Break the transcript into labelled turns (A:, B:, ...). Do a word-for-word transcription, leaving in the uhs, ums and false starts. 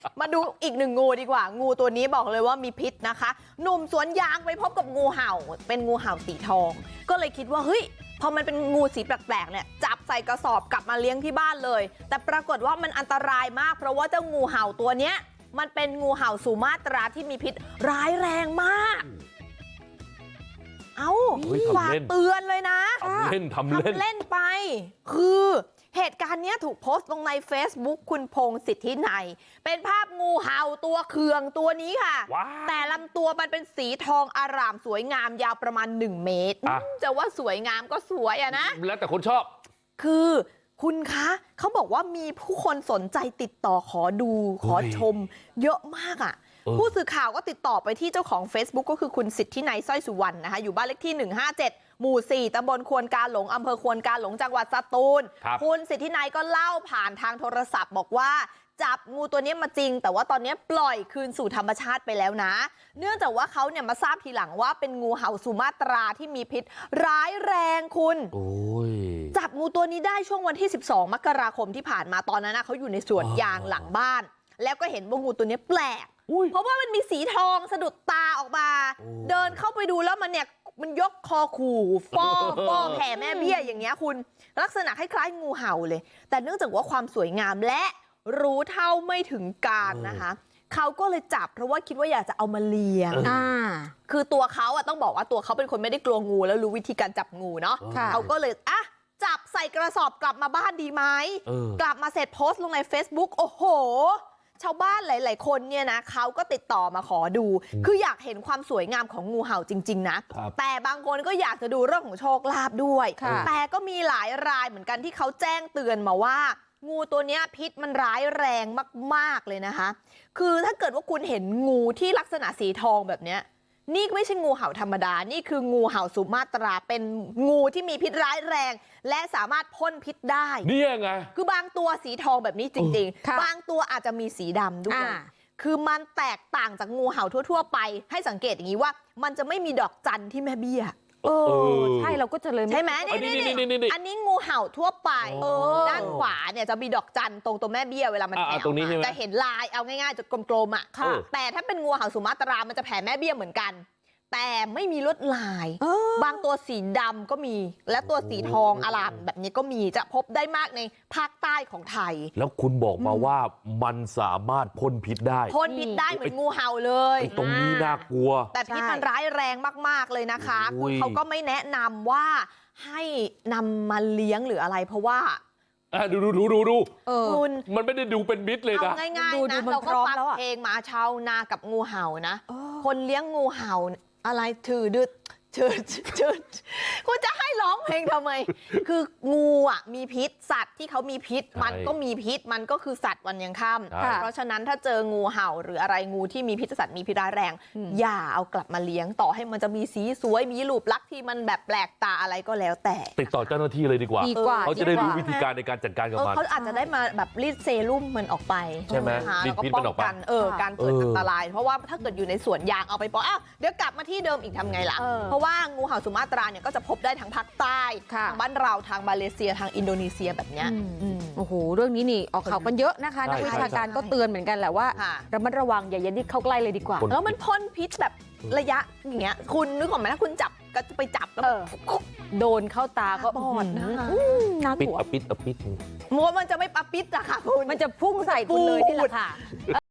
A: มาดูอีกหนึ่งงูดีกว่างูตัวนี้บอกเลยว่ามีพิษนะคะหนุ่มสวนยางไปพบกับงูเห่าเป็นงูเห่าสีทองก็เลยคิดว่าเฮ้ยพอมันเป็นงูสีแปลกๆเนี่ยจับใส่กระสอบกลับมาเลี้ยงที่บ้านเลยแต่ปรากฏว่ามันอันตรายมากเพราะว่าเจ้างูเห่าตัวเนี้ยมันเป็นงูเห่าสุมาตราที่มีพิษร้ายแรงมากเอาฝากเตือนเลยนะ
B: ทำเล่นทำเล่น
A: ทำเล่นไปคือเหตุการณ์นี้ถูกโพสต์ลงใน Facebook คุณพงษ์สิทธินัยเป็นภาพงูเห่าตัวเคืองตัวนี้ค่ะแต่ลำตัวมันเป็นสีทองอร่ามสวยงามยาวประมาณหนึ่งเมตรจะว่าสวยงามก็สวยอะนะ
B: แล้วแต่คนชอบ
A: คือคุณคะเขาบอกว่ามีผู้คนสนใจติดต่อขอดูขอชมเยอะมากอ่ะผู้สื่อข่าวก็ติดต่อไปที่เจ้าของ Facebook ก็คือคุณสิทธินัยสร้อยสุวรรณนะคะอยู่บ้านเลขที่หนึ่งห้าเจ็ดหมู่สี่ตำบลควนกาหลงอำเภอควนกาหลงจังหวัดสตูลคุณสิทธินัยก็เล่าผ่านทางโทรศัพท์บอกว่าจับงูตัวนี้มาจริงแต่ว่าตอนนี้ปล่อยคืนสู่ธรรมชาติไปแล้วนะเนื่องจากว่าเขาเนี่ยมาทราบทีหลังว่าเป็นงูเห่าสุมาตราที่มีพิษร้ายแรงคุณจับงูตัวนี้ได้ช่วงวันที่สิบสองมกราคมที่ผ่านมาตอนนั้นนะเขาอยู่ในสวนยางหลังบ้านแล้วก็เห็นว่างูตัวนี้แปลกเพราะว่ามันมีสีทองสะดุดตาออกมาเดินเข้าไปดูแล้วมันเนี่ยมันยกคอขู่ฟอฟอแผ่แม่เบี้ยอย่างเงี้ยคุณลักษณะคล้ายๆงูเห่าเลยแต่เนื่องจากว่าความสวยงามและรู้เท่าไม่ถึงการนะคะเขาก็เลยจับเพราะว่าคิดว่าอยากจะเอามาเลี้ยงคือตัวเขาอะต้องบอกว่าตัวเขาเป็นคนไม่ได้กลัวงูแล้วรู้วิธีการจับงูเนาะเขาก็เลยอ่ะจับใส่กระสอบกลับมาบ้านดีไหมกลับมาเสร็จโพสต์ลงใน Facebook โอ้โหชาวบ้านหลายๆคนเนี่ยนะเขาก็ติดต่อมาขอดูคืออยากเห็นความสวยงามของงูเห่าจริงๆนะแต่บางคนก็อยากจะดูเรื่องของโชคลาภด้วยแต่ก็มีหลายรายเหมือนกันที่เขาแจ้งเตือนมาว่างูตัวนี้พิษมันร้ายแรงมากๆเลยนะคะคือถ้าเกิดว่าคุณเห็นงูที่ลักษณะสีทองแบบนี้นี่ไม่ใช่งูเห่าธรรมดานี่คืองูเห่าสุมาตราเป็นงูที่มีพิษร้ายแรงและสามารถพ่นพิษได้
B: นี่ไง
A: คือบางตัวสีทองแบบนี้จริงๆบางตัวอาจจะมีสีดำด้วยคือมันแตกต่างจากงูเห่าทั่วๆไปให้สังเกตอย่างนี้ว่ามันจะไม่มีดอกจันที่แม่เบี้ย
C: เออใช่เราก็จะเลย
A: ใช่ไหมนี่นี่นี่อันนี้งูเห่าทั่วไปด้านขวาเนี่ยจะมีดอกจันตรงตัวแม่เบี้ยเวลามันแผ่จะเห็นลายเอาง่ายๆจะกลมๆอ่ะแต่ถ้าเป็นงูเห่าสุมาตรามันจะแผ่แม่เบี้ยเหมือนกันแต่ไม่มีลวดลายบางตัวสีดำก็มีและตัวสีทองอลามแบบนี้ก็มีจะพบได้มากในภาคใต้ของไทย
B: แล้วคุณบอกมาว่ามันสามารถพ่นพิษได้
A: พ่นพิษได้เหมือนงูเห่าเลย
B: ตรงนี้น่ากลัว
A: แต่พิษมันร้ายแรงมากๆเลยนะคะคือเขาก็ไม่แนะนำว่าให้นำมาเลี้ยงหรืออะไรเพราะว่า
B: ดูดูดูดูดู
A: คุณ
B: มันไม่ได้ดูเป็นมิตรเลยนะ
A: ง่ายๆนะเราก็ฟังเพลงมาชาวนากับงูเห่านะคนเลี้ยงงูเห่าอะไรถือดึดเชิดเชิดคุณจะให้ร้องเพลงทำไมคืองูอ่ะมีพิษสัตว์ที่เขามีพิษมันก็มีพิษมันก็คือสัตว์วันยังค่ำเพราะฉะนั้นถ้าเจองูเห่าหรืออะไรงูที่มีพิษสัตว์มีพิษร้ายแรงอย่าเอากลับมาเลี้ยงต่อให้มันจะมีสีสวยมีรูปลักษณ์ที่มันแบบแปลกตาอะไรก็แล้วแต่
B: ติดต่อเจ้าหน้าที่เลยดีกว่าเขาจะได้รู้วิธีการในการจัดการกับมัน
A: เขาอาจจะได้มาแบบรีดเซรุ่มมันออกไป
B: ใช่ไหมรีดพิษมันออกไป
A: เออการเกิดอันตรายเพราะว่าถ้าเกิดอยู่ในสวนยางเอาไปปล่อยอ้าวเดี๋ยวกลับมาที่เดิมอีกทำไงล่ะเพราะว่างูเห่าสุมาตราเนี่ยก็จะพบได้ทั้งภาคใต้ทางบ้านเราทางมาเลเซียทางอินโดนีเซียแบบเนี้ย
C: โอ้โหเรื่องนี้นี่ออกข่าวกันเยอะนะคะนักวิชาการก็เตือนเหมือนกันแหละว่าระมัดระวังอย่ายันดิเข้าใกล้เลยดีกว่า
A: แล้วมันพ่นพิษแบบระยะอย่างเงี้ยคุณนึกออกไหมถ้าคุณจับก็จะไปจับแล้ว
C: โดนเข้าตาก็
A: บอดนะ
B: น่ากลัวปิดอปิดอปิด
A: มัวมันจะไม่ปะปิดอะค่ะคุณ
C: มันจะพุ่งใส่คุณเลยนี่แหละค่ะ